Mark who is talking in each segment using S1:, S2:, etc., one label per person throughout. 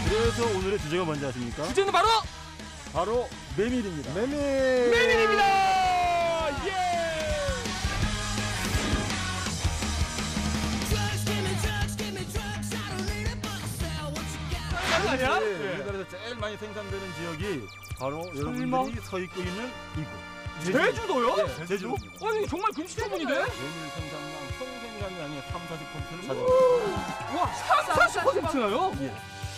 S1: 그래서 오늘의 주제가 뭔지 아십니까?
S2: 주제는 바로
S1: 메밀입니다.
S2: 메밀입니다. 예. 아니야?
S1: 우리나라에서 제일 많이 생산되는 지역이 바로 여러분들이 서 있고 있는 이곳.
S2: 제주도요?
S1: 네, 제주.
S2: 아니 정말 금시초문인데?
S1: 메밀 생산량 총생산량의 30~40%를 차지합니다.
S2: 와, 30~40%나요?
S1: 예.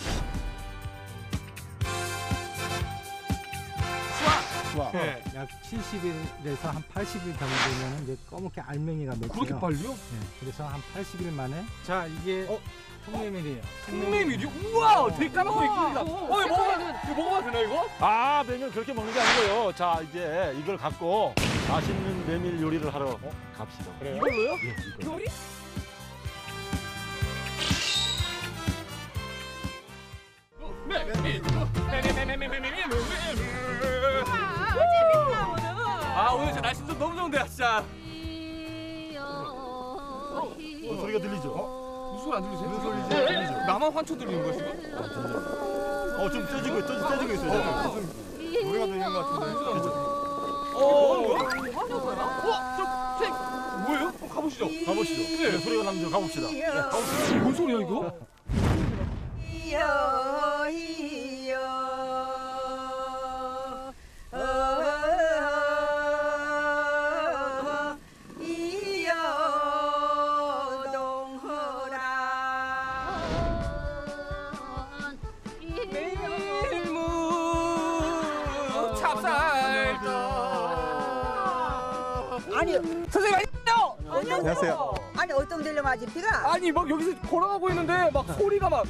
S1: 수확.
S2: 네.
S3: 약 70일에서 한 80일 정도 되면 이제 검게 알맹이가 맺혀요.
S2: 그렇게 빨리요?
S3: 네, 그래서 한 80일 만에 자 이게 통메밀이에요.
S2: 통메밀이요? 우와, 되게 까맣고 예쁩니다. 이거 먹어봐도 되나 이거?
S1: 아, 메밀 그렇게 먹는 게 아니고요. 자, 이제 이걸 갖고 맛있는 메밀 요리를 하러 갑시다.
S2: 그래요? 이걸로요?
S1: 예, 이거.
S2: 요리? 아, 오늘 진짜 날씨 좀 너무 좋은데 진짜.
S1: 소리가 들리죠?
S2: 무슨 소리 안 들리세요?
S1: 무슨 소리지?
S2: 네.
S1: 들리죠?
S2: 나만 환초 들리는 거야 지금?
S1: 좀 떼지고 있어요.
S3: 노래가 들리는 것 같은데.
S2: 뭐예요? 가보시죠.
S1: 가보시죠. 네, 소리가 나면 가봅시다.
S2: 뭔 소리야 이거?
S4: 아니
S2: 선생님 안녕.
S3: 안녕하세요.
S4: 아니 어떤 데로 맞은 비가?
S2: 아니 막 여기서 걸어가고 있는데 막 소리가 막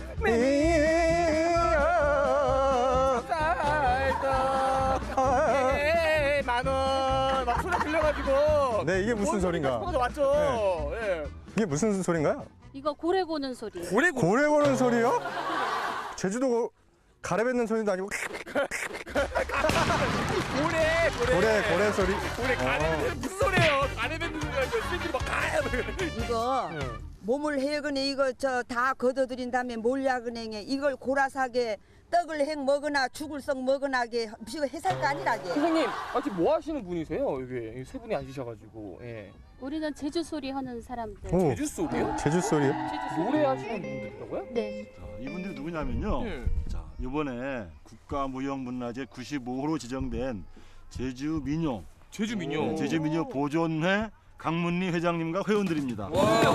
S2: 만원 막 소리 들려가지고.
S5: 네, 이게 무슨 소린가?
S2: 맞죠. 예.
S5: 이게 무슨 소린가요?
S6: 이거 고래 고는 소리.
S2: 고래
S5: 고래 고는 소리요? 제주도 가래 뱉는 소리도 아니고 고래 소리.
S2: 고래 가래 무슨 소리예요? 가래 뱉는 소리가 아니고 새끼 막 가래.
S4: 이거 몸을 해거네 이거 저 다 걷어들인 다음에 몰약은행에 이걸 고라사게 떡을 행 먹으나 죽을 썩 먹으나게 이거 해살 거 아니라게.
S2: 선생님, 지금 뭐 하시는 분이세요? 여기 세 분이 앉으셔가지고. 예.
S6: 우리는 제주 소리 하는 사람들.
S5: 오,
S2: 제주 소리요?
S5: 제주 소리요?
S6: 제주 소리.
S2: 노래하시는 분들이라고요?
S6: 네.
S1: 자, 이분들이 누구냐면요.
S2: 예.
S1: 자, 이번에 국가무형문화재 95호로 지정된 제주민요.
S2: 제주 민요.
S1: 제주민요 보존회 강문리 회장님과 회원들입니다.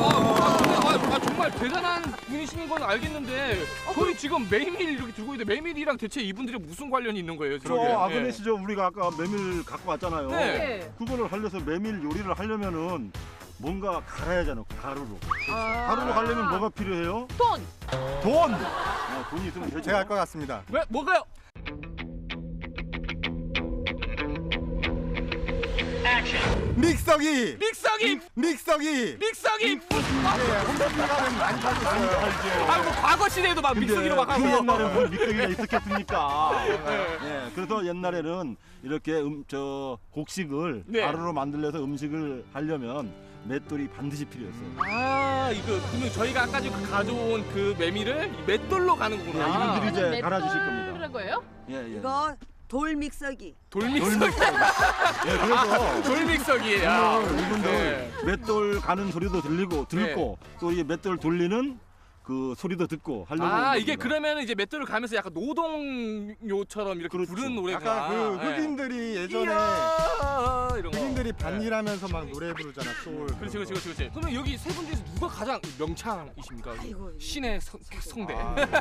S2: 정말 대단한 분이신 건 알겠는데 저희 지금 메밀 이렇게 들고 있는데 메밀이랑 대체 이분들이 무슨 관련이 있는 거예요?
S1: 저 아그네시죠. 우리가 아까 메밀 갖고 왔잖아요.
S2: 네.
S1: 그거를 하려서 메밀 요리를 하려면은 뭔가 갈아야 하잖아. 가루로. 가루로 가려면 뭐가 필요해요?
S6: 돈.
S1: 돈. 돈이 있으면 되죠.
S5: 제가 할 것 같습니다.
S2: 왜 뭐가요?
S5: 믹서기!
S2: 믹서기!
S5: 믹서기!
S1: 홈쇼핑가면 많이 팔죠.
S2: 뭐 과거 시대에도 막 믹서기로 막 하고.
S1: 그 옛날에 뭐 믹서기가 있었겠습니까? 네, 그래서 옛날에는 이렇게 저 곡식을
S2: 네.
S1: 가루로 만들려서 음식을 하려면 맷돌이 반드시 필요했어요.
S2: 이거 그러면 저희가 아까 지금 가져온 그 메밀을 이 맷돌로 가는
S1: 네,
S2: 거구나.
S1: 이분들이 이제 갈아주실 겁니다.
S6: 그런 거예요?
S1: 예.
S4: 이거 돌 믹서기.
S2: 돌믹서기.
S1: 예, 그래서
S2: 돌믹서기. 야.
S1: 이분들
S2: 네.
S1: 맷돌 가는 소리도 들리고 또 이 맷돌 돌리는 그 소리도 듣고 하려고. 하는
S2: 이게
S1: 겁니다.
S2: 그러면 이제 맷돌을 가면서 약간 노동요처럼 이렇게
S1: 그렇죠.
S2: 부르는 노래가.
S5: 약간 그 흑인들이 예전에
S2: 이런 거.
S5: 흑인들이 반일하면서 막 노래 부르잖아, 소울.
S2: 그렇지. 그러면 여기 세 분 중에서 누가 가장 명창이십니까?
S4: 아이고.
S2: 신의 성대.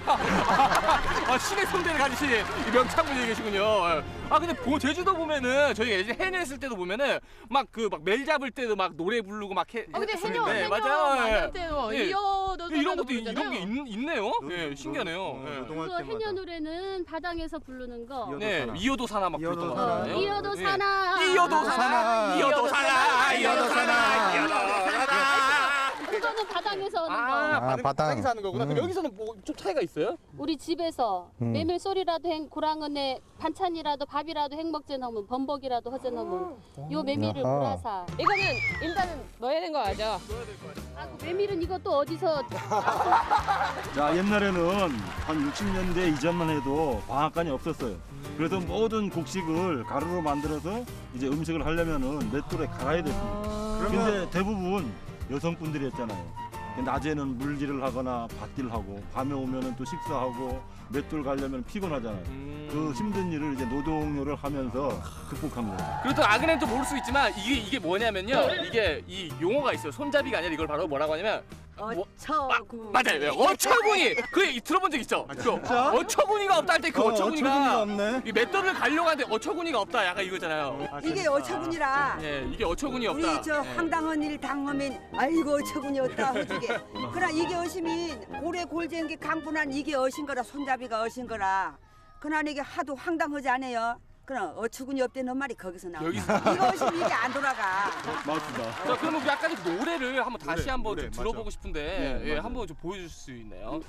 S2: 신의 성대를 가지신 이 명창분이 계시군요. 근데 제주도 보면은 저희가 예전에 해녀 했을 때도 보면은 막 멜 잡을 때도 막 노래 부르고 막 해.
S6: 근데 해녀
S2: 했었는데, 맞아요.
S6: 만날 때도
S2: 예.
S6: 이어도
S2: 이런 것도 이런 게 있네요. 예, 신기하네요. 예.
S5: 노동할
S6: 그거
S5: 때마다.
S6: 해녀 노래는 바다에서 부르는 거.
S2: 네, 이어도 사나 막
S5: 이어도
S2: 그랬던 거
S5: 사나.
S2: 같아요.
S6: 이어도
S2: 예.
S6: 사나.
S2: 이어도 사나.
S5: 사나.
S2: 이어도 사나. 이어도 사나. 이어도 사나.
S6: 이거는 바닥에서 하는 거.
S5: 바닥.
S2: 바닥에서 하는 거구나. 그럼 여기서는 뭐 좀 차이가 있어요?
S6: 우리 집에서 메밀 소리라도 행 고랑은에 반찬이라도 밥이라도 행먹제 넣으면 범벅이라도 허제 넣으면 요 메밀을
S5: 아하.
S6: 골아서.
S7: 이거는 일단은 넣어야 되는 거 알죠?
S6: 아, 그 메밀은 이것도 어디서
S1: 자, 옛날에는 한 60년대 이전만 해도 방앗간이 없었어요. 그래서 모든 곡식을 가루로 만들어서 이제 음식을 하려면은 맷돌에 갈아야 됐습니다. 근데 대부분 여성분들이었잖아요. 낮에는 물질을 하거나 밭일을 하고 밤에 오면은 또 식사하고 맷돌 가려면 피곤하잖아요. 그 힘든 일을 이제 노동요를 하면서 극복한 거예요.
S2: 그리고 또 아그네는 또 모를 수 있지만 이게 뭐냐면요. 이게 이 용어가 있어요. 손잡이가 아니라 이걸 바로 뭐라고 하냐면
S4: 어처구.
S2: 맞아요. 어처구니. 그 들어본 적 있죠?
S5: 진짜?
S2: 어처구니가 없다 할 때 그
S5: 어처구니가
S2: 어처구니가
S5: 없네.
S2: 이 맷돌을 가려고 하는데 어처구니가 없다. 약간 이거잖아요.
S4: 이게 어처구니라.
S2: 예, 이게 어처구니 없다.
S4: 우리 저
S2: 예.
S4: 황당한 일 당하면 아이고 어처구니 없다 허주게. 그러나 이게 어심이 고래 골쟁이 강분한 이게 어신 거라 손잡이가 어신 거라. 그러나 이게 하도 황당하지 않아요. 그럼 어처구니 없다는 말이 거기서 나와.
S2: 여기서.
S4: 이거 어심이 이게 안 돌아가.
S1: 맞습니다.
S2: 자, 그러면 우리 아까 그 노래를 한번 다시 한번
S1: 노래,
S2: 좀 들어보고
S1: 맞아.
S2: 싶은데
S1: 네,
S2: 예,
S1: 맞아요.
S2: 한번 좀 보여줄 수 있나요?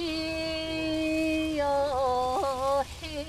S6: 해요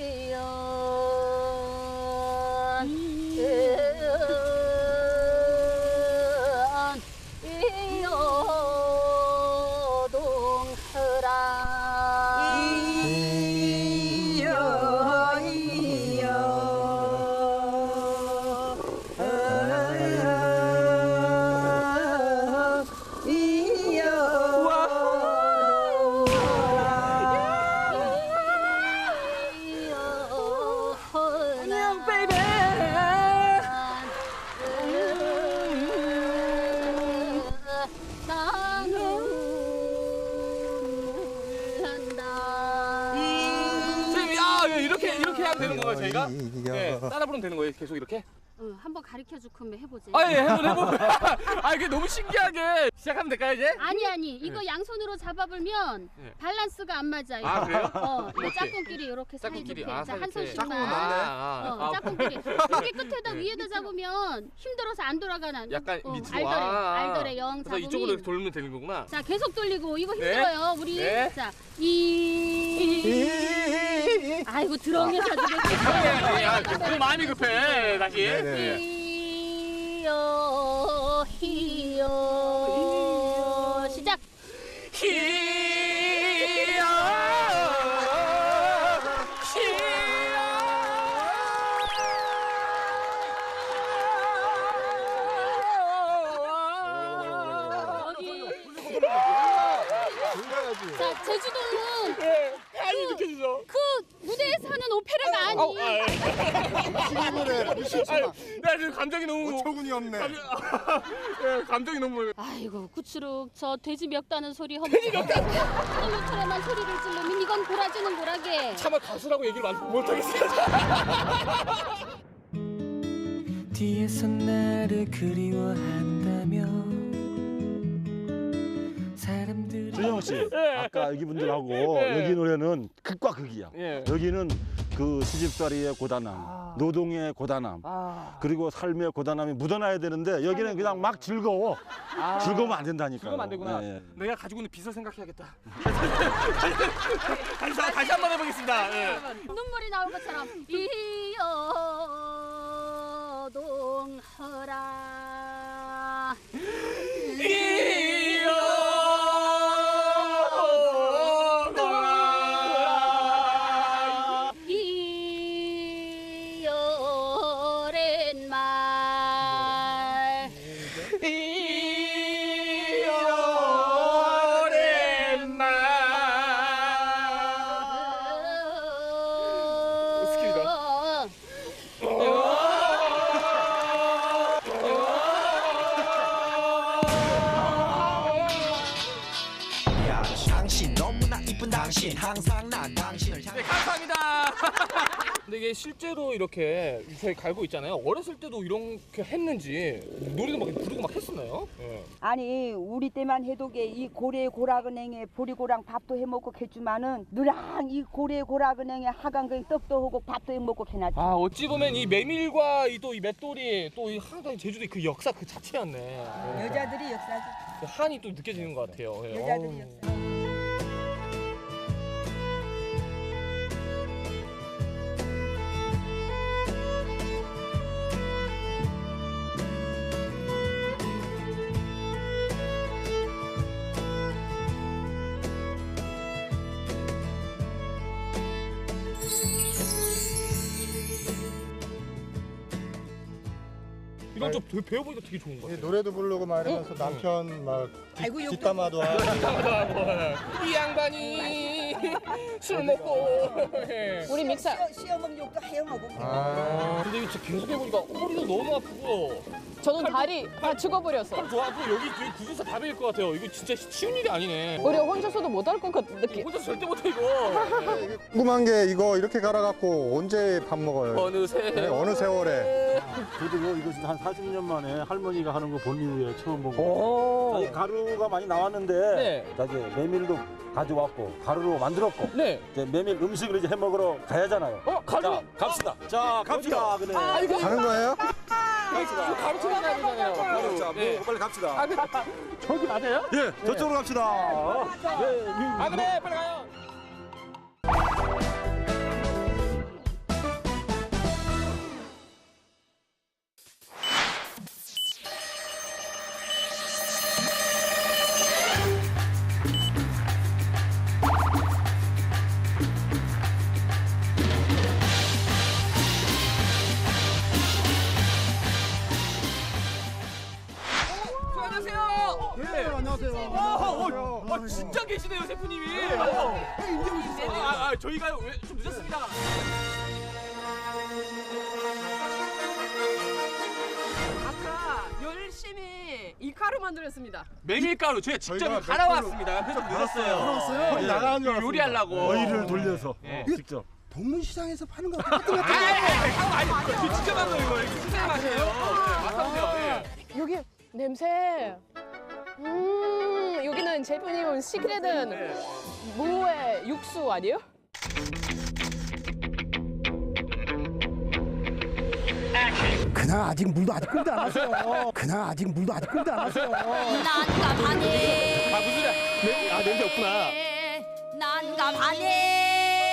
S2: 선생님, 이렇게 하면 되는 건가요, 저희가? 네, 따라 부르면 되는 거예요, 계속 이렇게?
S6: 응, 한번 가르쳐 줄 거면 해보지.
S2: 아, 예, 해보면. 아, 이게 너무 신기하게 시작하면 될까요, 이제?
S6: 아니 이거 양손으로 잡아불면
S2: 네.
S6: 밸런스가 안 맞아요.
S2: 아, 그래요?
S6: 이거
S2: 이렇게.
S6: 짝꿍끼리 이렇게
S2: 짝꿍끼리.
S6: 사이좋게. 자, 한
S2: 이렇게.
S6: 손씩만. 짝꿍끼리. 여기 끝에다 위에다 잡으면 힘들어서 안 돌아가는.
S2: 약간 밑으로.
S6: 알더래 영
S2: 그래서
S6: 잡으면.
S2: 이쪽으로 이렇게 돌면 되는 거구나.
S6: 자, 계속 돌리고 이거
S2: 네.
S6: 힘들어요. 우리
S2: 네.
S6: 자, 아이고 드렁에서
S2: 그 마음이 급해, 다시.
S5: 네네.
S6: 히요 시작. 자, 제주도는
S2: 아니, 느껴지죠?
S6: 그 무대에서 하는 오페라가 아니.
S2: 나 지금 감정이 너무.
S5: 어처구니 없네.
S2: 예, 감정이 너무.
S6: 아이고 구추룩 저 돼지 멱다는 소리 하면 돼지 멱다는 소리를 지르면 이건 고라지는 고라게.
S2: 차마 가수라고 얘기를 못하겠어요.
S8: 뒤에서 나를 그리워한다며 사람들이
S1: 조영 씨, 아까 여기 분들하고
S2: 네.
S1: 여기 노래는 극과 극이야.
S2: 예.
S1: 여기는 그 시집살이의 고단함, 노동의 고단함, 그리고 삶의 고단함이 묻어나야 되는데 여기는 그냥 막 즐거워. 즐거우면 안 된다니까.
S2: 즐거우면 안 되구나.
S1: 예.
S2: 내가 가지고 있는 빚을 생각해야겠다. 다시 한번 해보겠습니다. 예.
S6: 눈물이 나올 것처럼 이여동허라. 이여랜 말.
S8: 당신 너무나 이쁜 당신 항상 난 당신을 향해
S2: 네, 감사합니다. 근데 이게 실제로 이렇게 저희 갈고 있잖아요. 어렸을 때도 이렇게 했는지 노래도 막 부르고 막 했었나요? 예.
S4: 아니 우리 때만 해도게 이 고래 고락은행에 보리고랑 밥도 해먹고 했지만은 누랑 이 고래 고락은행에 하강경 떡도 하고 밥도 해먹고 해놨지.
S2: 아, 어찌 보면 이 메밀과 또 이 맷돌이 또 이 항상 제주도의 그 역사 그 자체였네.
S4: 여자들이 역사지.
S2: 한이 또 느껴지는 것 같아요. 예.
S4: 여자들이었어요.
S2: 이건 좀 배워보니까 되게 좋은 것 같아요.
S5: 노래도 부르고 막 이러면서 남편 막
S4: 아이고, 욕
S5: 뒷담화도 하고.
S2: 이 양반이 술 먹고. 예.
S7: 우리 믹사.
S4: 시어먹는 욕도 하영하고.
S2: 근데 이거 진짜 계속 해보니까 허리도 너무 아프고
S7: 저는 다리 다 죽어버렸어.
S2: 팔 더 아프고 여기 구두사 다 베일 것 같아요. 이거 진짜 쉬운 일이 아니네.
S7: 우리 혼자서도 못할 것 같은 느낌.
S2: 혼자 절대 못해 이거.
S5: 궁금한 게 이거 이렇게 갈아갖고 언제 밥 먹어요?
S2: 어느새.
S5: 네, 어느 세월에?
S1: 저도요 이거 진짜 한 40년 만에 할머니가 하는 거 본 이후에 처음 본 거예요.
S2: 오.
S1: 아니, 가루가 많이 나왔는데
S2: 네.
S1: 자, 이제 메밀도 가져왔고 가루로 만들었고
S2: 네.
S1: 이제 메밀 음식을 이제 해 먹으러 가야잖아요.
S2: 가루.
S1: 자, 갑시다. 자, 갑시다. 그래.
S2: 이거
S5: 가는 거예요?
S2: 이거 가르쳐 가야 되잖아요. 가루.
S1: 자,
S2: 네.
S1: 빨리 갑시다.
S2: 저기 맞아요?
S1: 예, 저쪽으로 갑시다. 네,
S2: 아 그래 빨리 가요. 안녕하세요. 네.
S5: 안녕하세요.
S2: 진짜 계시네요, 셰프님이. 이제 오셨어요. 저희가 좀 늦었습니다.
S7: 아까 열심히 이 가루 만들었습니다.
S2: 메밀가루 저희가 직접
S5: 저희가
S2: 갈아왔습니다. 그래서 늦었어요.
S1: 거의 나가는 줄
S2: 요리하려고.
S1: 어이를 돌려서
S2: 예.
S1: 직접.
S5: 동문시장에서 파는 거 똑같은 거
S2: 아니, 저 직접 한 거예요, 이거. 수제 맛이에요. 맛있네요.
S7: 여기 냄새. 여기는 셰프님은 시크릿은 무의 육수 아니에요?
S3: 그냥 아직 물도 아직 끓도 안 하세요. 그냥 아직 물도 아직 끓도 안 하세요.
S6: 난감하네.
S2: 아, 무슨 소리야? 냄새 없구나.
S6: 난감하네.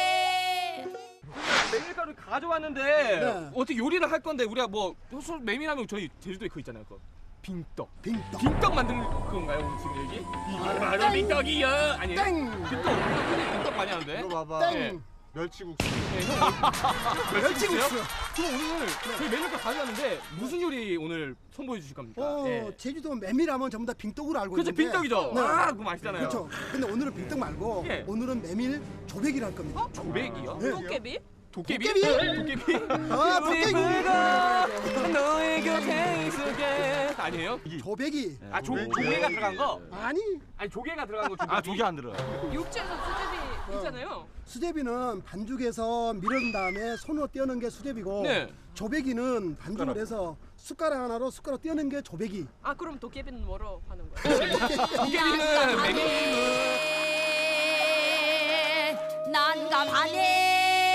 S2: 메밀가루 가져왔는데 어떻게 요리를 할 건데 우리가 뭐 메밀하면 저희 제주도에 그거 있잖아요. 그거. 빙떡. 빙떡 만드는 건가요, 오늘 지금 여기? 이게 바로 빙떡이요. 아니에요? 빙떡 많이 하는데.
S5: 이거 봐봐.
S2: 네.
S5: 멸치국수.
S2: 멸치국수. 그럼 오늘 저희 메밀가루 가져왔는데 무슨 요리 오늘 선보여 주실 겁니까? 네.
S9: 제주도 메밀하면 전부 다 빙떡으로 알고
S2: 그렇죠,
S9: 있는데
S2: 빙떡이죠.
S9: 네.
S2: 아, 그거 맛있잖아요.
S9: 그렇죠. 근데 오늘은 빙떡 말고
S2: 예.
S9: 오늘은 메밀 조백이라 할 겁니다.
S2: 조백이요?
S9: 네.
S7: 도깨비?
S2: 도깨비?
S9: 도깨비?
S2: 도깨비?
S9: 아, 도깨비.
S2: 너의 곁에 있을게. 아니에요?
S9: 조백이
S2: 아, 조개가 들어간 거?
S9: 아니
S2: 아니, 조개가 들어간 거 조개비.
S1: 아, 조개 안 들어.
S7: 육지에서 수제비 있잖아요.
S9: 수제비는 반죽에서 밀은 다음에 손으로 떼어는 게 수제비고
S2: 네.
S9: 조백이는 반죽을 해서 숟가락 하나로 숟가락 떼어는 게 조백이.
S7: 아 그럼 도깨비는 뭐로 하는 거예요?
S2: 도깨비는 메밀.
S6: 난감하네.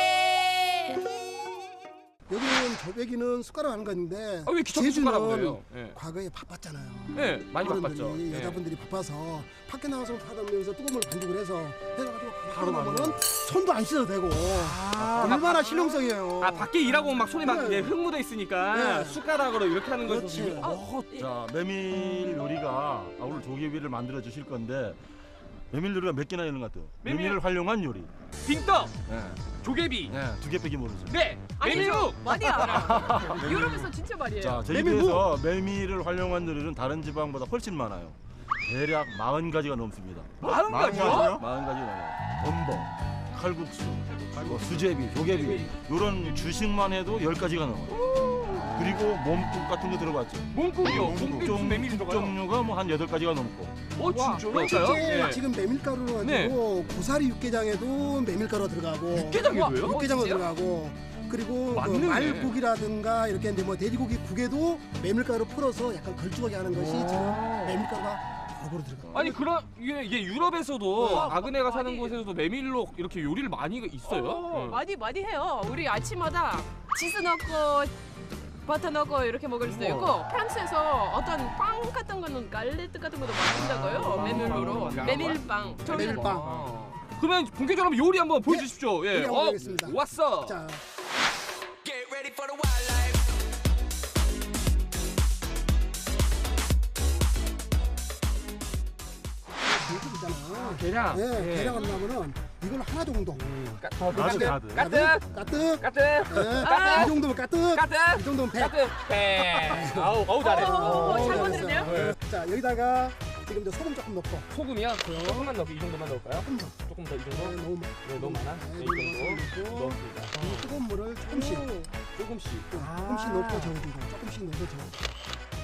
S9: 여기는 조백이는 숟가락 하는 건데
S2: 아, 왜 귀찮게 숟가락으로 해요? 예.
S9: 과거에 바빴잖아요.
S2: 네, 많이
S9: 어른들이,
S2: 바빴죠. 예.
S9: 여자분들이 바빠서 밖에 나가서 하다면서 뜨거운 물 반죽을 해서 해가지고 바로 나면은 손도 안 씻어도 되고 얼마나 실용성이에요.
S2: 아, 밖에 일하고 막 손에 막
S9: 네.
S2: 예, 흙 묻어 있으니까
S9: 네.
S2: 숟가락으로 이렇게 하는 거죠.
S9: 그렇지.
S1: 자, 메밀 요리가 오늘 조개비를 만들어 주실 건데 메밀 요리가 몇 개나 있는 것 같아요. 메밀을 활용한 요리.
S2: 빙떡,
S1: 네.
S2: 조개비.
S1: 네, 두 개밖에 모르죠.
S2: 네, 메밀묵.
S7: 많이 알아. 유럽에서 진짜 말이에요.
S1: 자, 제주도에서 메밀을 활용한 요리는 다른 지방보다 훨씬 많아요. 대략 40가지가 넘습니다.
S2: 40가지요?
S1: 40가지가 넘어요. 범벅, 칼국수, 뭐 수제비, 조개비 이런 주식만 해도 10가지가 넘어요. 그리고 몸국 같은 거 들어봤죠?
S2: 몸국이요.
S1: 몸국
S2: 몸국 메밀이 들어가요.
S1: 종류가 뭐 한 8가지가 넘고.
S2: 진짜요?
S9: 실제 지금 메밀가루로 가지고 고사리 육개장에도 메밀가루가 들어가고
S2: 육개장에도요?
S9: 육개장도 들어가고 그리고 그
S2: 맞네.
S9: 말국이라든가 이렇게 이제 뭐 돼지고기 국에도 메밀가루 풀어서 약간 걸쭉하게 하는 것이 지금 메밀가루가 골고루 들어가.
S2: 아니 그런 이게 유럽에서도 아그네가 사는
S7: 많이.
S2: 곳에서도 메밀로 이렇게 요리를 많이 있어요. 응.
S7: 많이 해요. 우리 아침마다 치즈 넣고 버터 넣고 이렇게 먹을 수도 있고 프랑스에서 어떤 빵 같은 거는 갈레트 같은 것도 만든다고요. 메밀로 메밀빵.
S9: 메밀빵.
S2: 그러면 본격적으로 요리 한번 보여주십시오. 예.
S9: 요리 한번 보겠습니다.
S2: 왔어.
S9: 자,
S8: Get ready for the wildlife.
S9: 있잖아.
S2: 계량.
S9: 예, 계량을 하면은 이걸 하나 정도.
S1: 가득.
S9: 까뜩.
S2: 까뜩.
S9: 예, 이 정도면 까뜩.
S2: 까뜩.
S9: 이 정도면 백.
S2: 까뜩. 배. 어우 잘해.
S7: 잘
S9: 됐어요.
S7: 만드는데요?
S9: 예. 자, 여기다가 지금 이제 소금 조금 넣고.
S2: 소금이요? 조금만 넣고 이 정도만 넣을까요? 조금 더 이 정도?
S9: 네, 너무
S2: 네, 너무 많아? 네, 이 정도 넣습니다.
S9: 이 뜨거운 물을 조금씩
S2: 조금씩.
S9: 조금씩 넣고 저어주고 조금씩 넣어서 저어.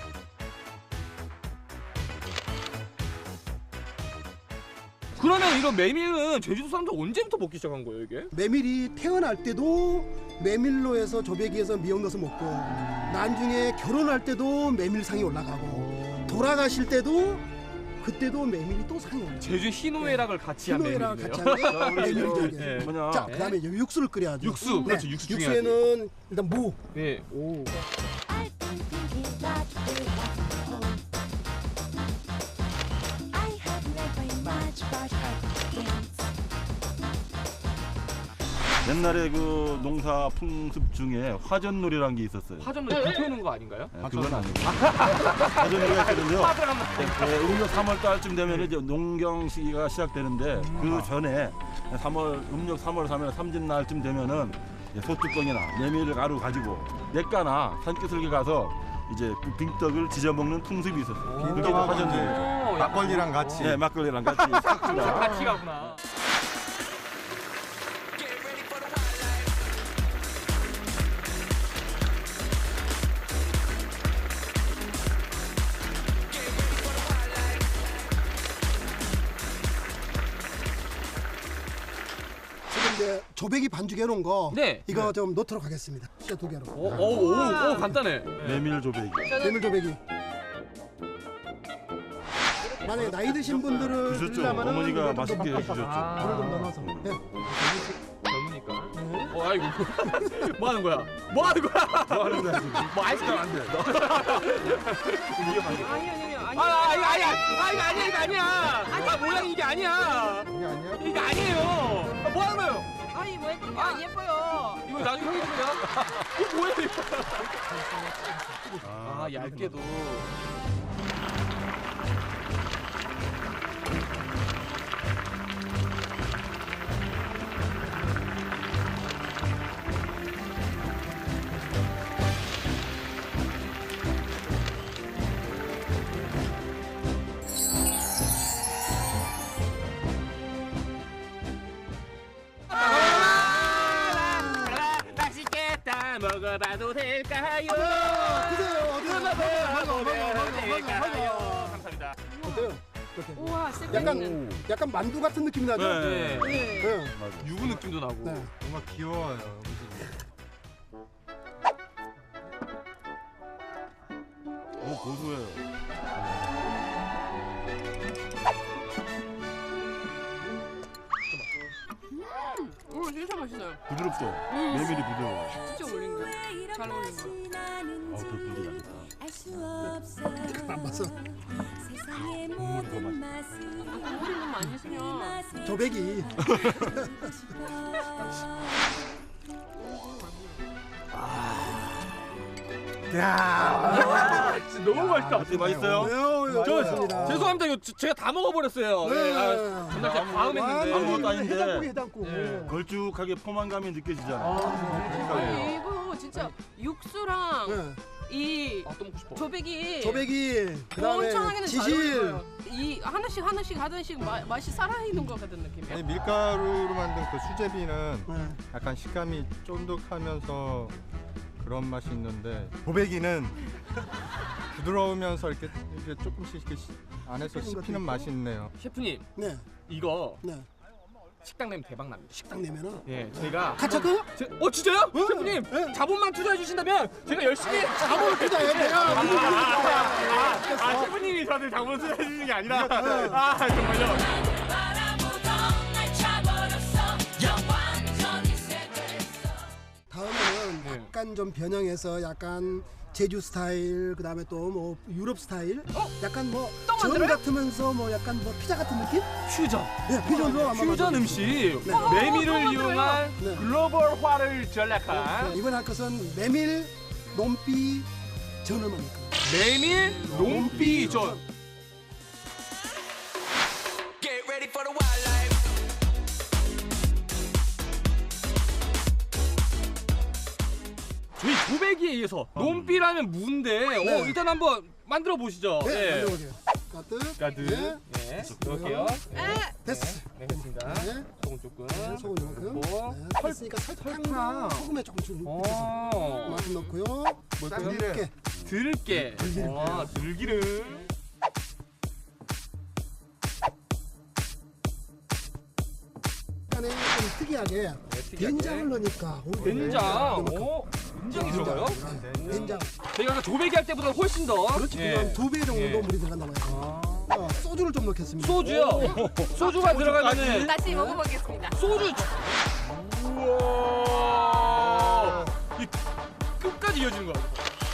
S2: 그러면 이런 메밀은 제주도 사람들 언제부터 먹기 시작한 거예요, 이게?
S9: 메밀이 태어날 때도 메밀로 해서 조배기에서 미역 넣어서 먹고 나중에 결혼할 때도 메밀상이 올라가고 돌아가실 때도 그때도 메밀이 또 상이 올라가요.
S2: 제주 희노애락을 같이 한
S9: 희노애랑
S2: 메밀이네요.
S9: 같이 한 게 메밀이죠 이게.
S2: 네.
S1: 뭐냐?
S9: 자, 그다음에 이제 육수를 끓여야죠.
S2: 육수, 그렇죠. 육수 중요하지.
S9: 육수에는 일단 무,
S2: 네. 오.
S1: 옛날에 그 농사 풍습 중에 화전놀이라는 게 있었어요.
S2: 화전을 불 태우는 거 아닌가요?
S1: 네, 그건 아니고 화전놀이가 있거든요. 네, 음력 3월 달쯤 되면 이제 농경 시기가 시작되는데 그 전에 음력 3월 3일 삼진날쯤 되면은 이제 소뚜껑이나 메밀 가루 가지고 냇가나 산기슭에 가서 이제 그 빙떡을 지져 먹는 풍습이 있었어요. 그게 이제 화전놀이죠.
S5: 막걸리랑 같이.
S1: 네, 막걸리랑 같이 싹주가.
S2: 같이 가구나.
S9: 지금 이제 조배기 반죽해 놓은 거
S2: 네.
S9: 이거 좀 넣도록 하겠습니다. 진짜 두 개로.
S2: 오, 간단해.
S1: 메밀 조배기.
S9: 메밀 조배기. 만약에 나이 드신 분들은
S1: 주셨죠.
S9: 드리려면은
S1: 어머니가
S9: 이거 좀
S1: 맛있게
S9: 더
S1: 해주셨죠.
S9: 물을 좀 넣어서. 예.
S2: 젊으니까. 아이고. 뭐 하는 거야? 뭐 하는 거야?
S1: 뭐 하는 거야 지금?
S2: 뭐 아이스크림 안 돼. 아니야. 이거 아니야. 아, 모양이 이게 아니야.
S5: 이게 아니야?
S2: 이게 아니에요. 뭐 하는 거예요?
S7: 아니 왜 그렇게 안 예뻐요?
S2: 이거 나중에 형이 주냐? 이거 뭐야 이거? 아, 얇게도. 맛있겠다. 먹어봐도 될까요?
S9: 드세요. 어디
S2: 될까요? 감사합니다.
S9: 어때요? 어때요?
S7: 우와 쌤.
S9: 약간 만두 같은 느낌이 나죠?
S1: 네.
S2: 네.
S9: 네.
S2: 유부 느낌도 나고.
S9: 네.
S5: 뭔가 귀여워요. 음식이.
S1: 오 고소해요.
S7: 진짜 맛있어요.
S1: 부드럽죠. 메밀이 부드러워.
S7: 진짜 어울린 거. 잘 어울린 거.
S1: 배불리 나겠다.
S9: 안 봤어.
S7: 국물이 너무 많이 있으면
S9: 조배기.
S2: 진짜 너무 맛있다.
S1: 어때 맛있어요?
S9: 왜요?
S2: 저
S9: 좋습니다.
S2: 죄송합니다. 이거 제가 다 먹어버렸어요.
S9: 네.
S2: 네. 전날 제가 과음 했는데.
S1: 아무것도 아닌데.
S9: 해장국이 해장국.
S2: 네.
S1: 걸쭉하게 포만감이 느껴지잖아.
S7: 아니 이거 진짜 육수랑
S9: 네.
S7: 이
S2: 아, 또 먹고 싶어.
S7: 조배기
S9: 조배기. 그다음에
S7: 엄청나게는 잘
S9: 지실.
S7: 어울려요. 이 하나씩 맛이 살아있는 것 같은 느낌이야.
S5: 아니, 밀가루로 만든 그 수제비는
S9: 네.
S5: 약간 식감이 쫀득하면서 그런 맛이 있는데 조배기는 부드러우면서 이렇게 조금씩 이렇게 안에서 씹히는 맛이 있네요.
S2: 셰프님,
S9: 네.
S2: 이거
S9: 네.
S2: 식당 내면 대박 납니다.
S9: 식당 내면은
S2: 예, 제가
S9: 같이 할까요?
S2: 진짜요?
S9: 네.
S2: 셰프님,
S9: 네.
S2: 자본만 투자해 주신다면 제가 열심히.
S9: 자본을 투자해 내가
S2: 셰프님이 저한테 자본 투자해 주시는 게 아니라. 정말요.
S9: 다음에는
S2: 네.
S9: 약간 약간 좀 변형해서 약간 제주 스타일, 그다음에 또 뭐 유럽 스타일, 약간 뭐 전 같으면서 뭐 약간 뭐 피자 같은 느낌?
S2: 퓨전.
S9: 네, 퓨전도 아마
S2: 퓨전
S9: 만들어주고.
S2: 음식.
S9: 네.
S2: 메밀을 이용한
S9: 네.
S2: 글로벌화를 전략한
S9: 네, 이번 할 것은 메밀 논비 전을 만들 거예요.
S2: 메밀 논비전.
S8: Get ready for the wildlife.
S2: 저희 조배기에 의해서 논비라면 무인데
S9: 네.
S2: 일단 한번 만들어 보시죠.
S9: 네, 만들어보세요. 가득.
S2: 가득.
S9: 네.
S2: 네. 넣을게요.
S9: 됐어.
S2: 네, 됐습니다.
S9: 네.
S2: 소금 조금.
S9: 네, 소금 이만큼.
S2: 넣고.
S9: 네, 됐으니까 설탕 소금에 조금 좀 넣어서
S2: 어.
S9: 이만큼 넣고요.
S2: 뭘까요?
S9: 이렇게
S2: 들깨.
S9: 들기름.
S2: 들기름.
S9: 약간의 좀 특이하게 된장을 넣으니까 오히려
S2: 된장.
S9: 된장.
S2: 오, 된장이 들어가요?
S9: 네, 된장.
S2: 저희가 아까 조배기 할 때보다 훨씬 더.
S9: 그렇지.
S2: 예.
S9: 그럼 2배 정도 물이 들어간단 말이에요. 소주를 좀 넣겠습니다.
S2: 소주요. 소주가 들어가면은
S7: 다시 먹어보겠습니다.
S2: 소주. 우와. 이 끝까지 이어지는 거야.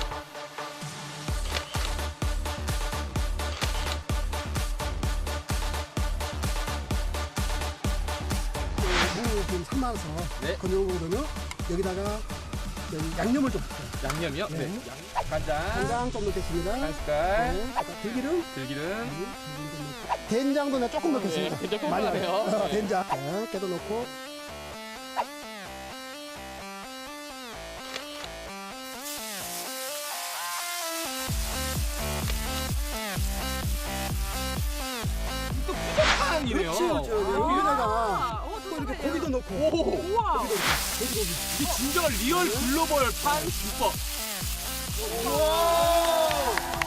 S9: 무좀 삶아서
S2: 네.
S9: 건져오거든요. 여기다가 여기 양념을 좀 넣어요.
S2: 양념이요?
S9: 네.
S2: 네. 간장.
S9: 간장 좀 넣겠습니다.
S2: 한 숟갈.
S9: 네. 들기름.
S2: 들기름.
S9: 된장도 내가 조금 넣겠습니다.
S2: 된장 조금
S9: 많이
S2: 넣어요.
S9: 넣어요. 된장. 네, 깨도 넣고.
S2: 또 푸석탕이네요.
S9: 그렇지, 그렇죠. 여기다가
S7: 오,
S9: 또 이렇게
S7: 또
S9: 고기도 넣고.
S2: 오.
S7: 우와.
S9: 돼지고기.
S2: 이 진정한 리얼 글로벌 판 비법. 우와.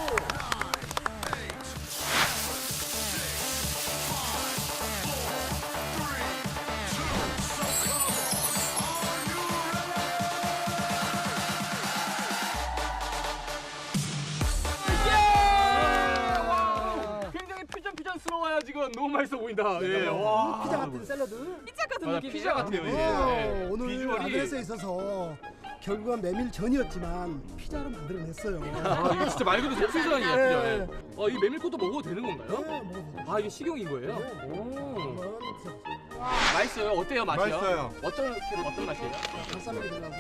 S2: 예! 와우. 굉장히 퓨전스러워요 지금. 너무 맛있어 보인다. 예. 와.
S9: 피자 같은 샐러드.
S7: 피자 같은
S2: 맞아,
S7: 느낌이에요.
S2: 피자 같아요 이게.
S9: 오늘
S2: 비주얼이.
S9: 아드레스에 있어서 결국은 메밀전이었지만 피자로 만들어냈어요.
S2: 아 이거 진짜 말 그대로 센세이션이에요.
S9: 네.
S2: 이 메밀꽃도 먹어도 되는 건가요?
S9: 네, 먹어보세요.
S2: 아 이게 식용인 거예요?
S9: 네.
S2: 오.
S9: 한번 드셔보세요.
S2: 맛있어요. 어때요 맛이요?
S5: 맛있어요.
S2: 어떤 맛이에요?
S9: 발사믹이 들어가서.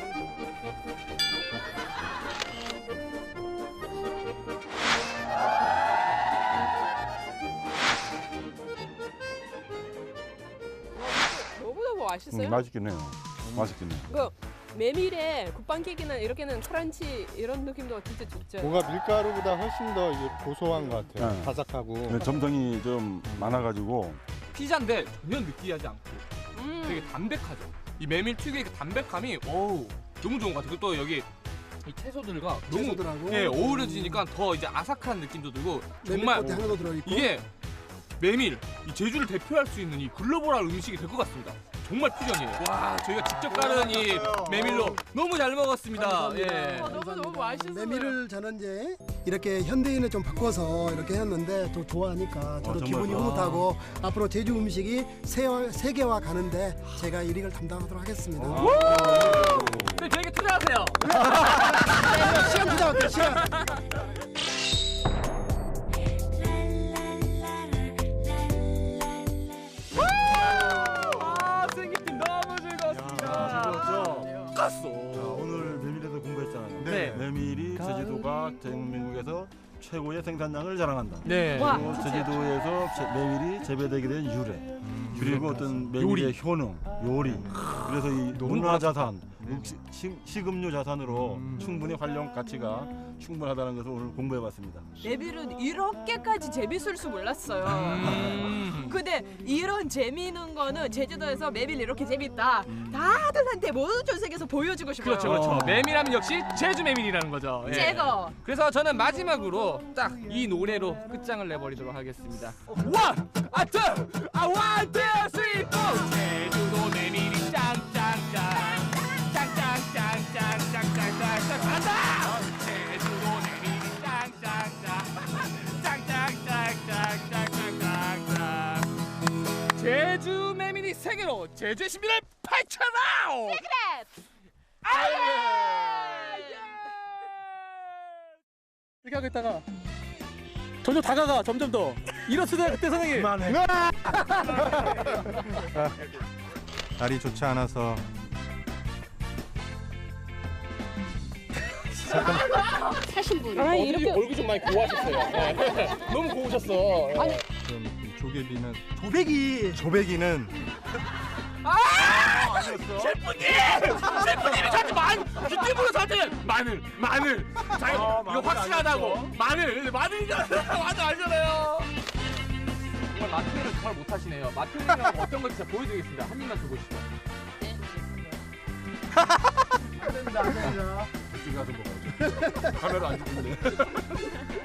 S7: 너무너무 맛있어요.
S1: 맛있긴 해요. 맛있긴 해요.
S7: 그 메밀에 국방케이크나 이렇게는 크런치 이런 느낌도 진짜 좋죠.
S5: 뭔가 밀가루보다 훨씬 더 이게 고소한 것 같아요.
S1: 네.
S5: 바삭하고.
S1: 점성이 좀 많아가지고
S2: 피자인데 전혀 느끼하지 않고 되게 담백하죠. 이 메밀 특유의 그 담백함이 어우 너무 좋은 것 같아요. 그리고 또 여기 이 채소들과 너무
S9: 채소들하고
S2: 예, 어우러지니까 더 이제 아삭한 느낌도 들고 정말
S9: 메밀꽃이 하나도 들어있고.
S2: 이게 메밀 이 제주를 대표할 수 있는 이 글로벌한 음식이 될 것 같습니다. 정말 퓨전이에요. 와 저희가 직접 깔은 이 메밀로 너무 잘 먹었습니다.
S9: 감사합니다.
S2: 예.
S7: 너무 맛있어요.
S9: 메밀을 저는 이제 이렇게 현대인을 좀 바꿔서 이렇게 했는데 또 좋아하니까 저도
S1: 정말
S9: 기분이
S1: 좋아.
S9: 흐뭇하고 앞으로 제주 음식이 세계화 가는데 제가 1위를 담당하도록 하겠습니다.
S2: 네, 저에게 투자하세요.
S9: 시간 부탁할게요. 시간.
S2: 아 생기팀 너무 즐거웠습니다. 깠어.
S1: 자, 오늘 메밀에서 공부했잖아요.
S2: 네.
S1: 메밀이 제주도가 대한민국에서 최고의 생산량을 자랑한다.
S2: 네.
S1: 그리고 제주도에서 메밀이 재배되게 된 유래. 그리고 어떤 메밀의 효능, 요리. 그래서 이 문화자산, 식음료 자산으로 충분히 활용 가치가 충분하다는 것을 오늘 공부해봤습니다.
S7: 메밀은 이렇게까지 재밌을 줄 몰랐어요. 근데 이런 재미있는 거는 제주도에서 메밀 이렇게 재밌다. 다들한테 모든 전 세계에서 보여주고 싶어요.
S2: 그렇죠, 그렇죠. 메밀하면 역시 제주 메밀이라는 거죠. 예.
S7: 제거.
S2: 그래서 저는 마지막으로 딱 이 노래로 끝장을 내버리도록 하겠습니다. 원, 원, 투, 쓰리, 포. 제주도 메밀이 짱짱짱, 짱짱짱짱짱짱짱짱 간다. 제주도 메밀이 짱짱짱, 짱짱짱짱짱짱짱. 제주 메밀이 세계로 제주의 신비를 펼쳐라.
S7: 시크릿.
S2: 아예.
S3: 이렇게 하고 있다가 점점 다가가 점점 더 일어서자 그때 선생님.
S1: 그만해.
S5: 날이 좋지 않아서
S6: 사신 분.
S2: 아, 이렇게 얼굴 좀 많이 고우하셨어요. 네. 너무 고우셨어.
S6: 아니.
S5: 그럼 이 조개비는
S9: 조배기.
S5: 조배기는
S2: 셰프님이 저한테 뒷집으로 저한테 마늘. 자, 이거 확실하다고. 마늘 알잖아요. 정말 마트를 정말 못하시네요. 마트는 어떤 건지 제가 보여드리겠습니다. 한 입만 줘보시죠. 안 됩니다. 가서 먹어야죠. 카메라 안 찍는데.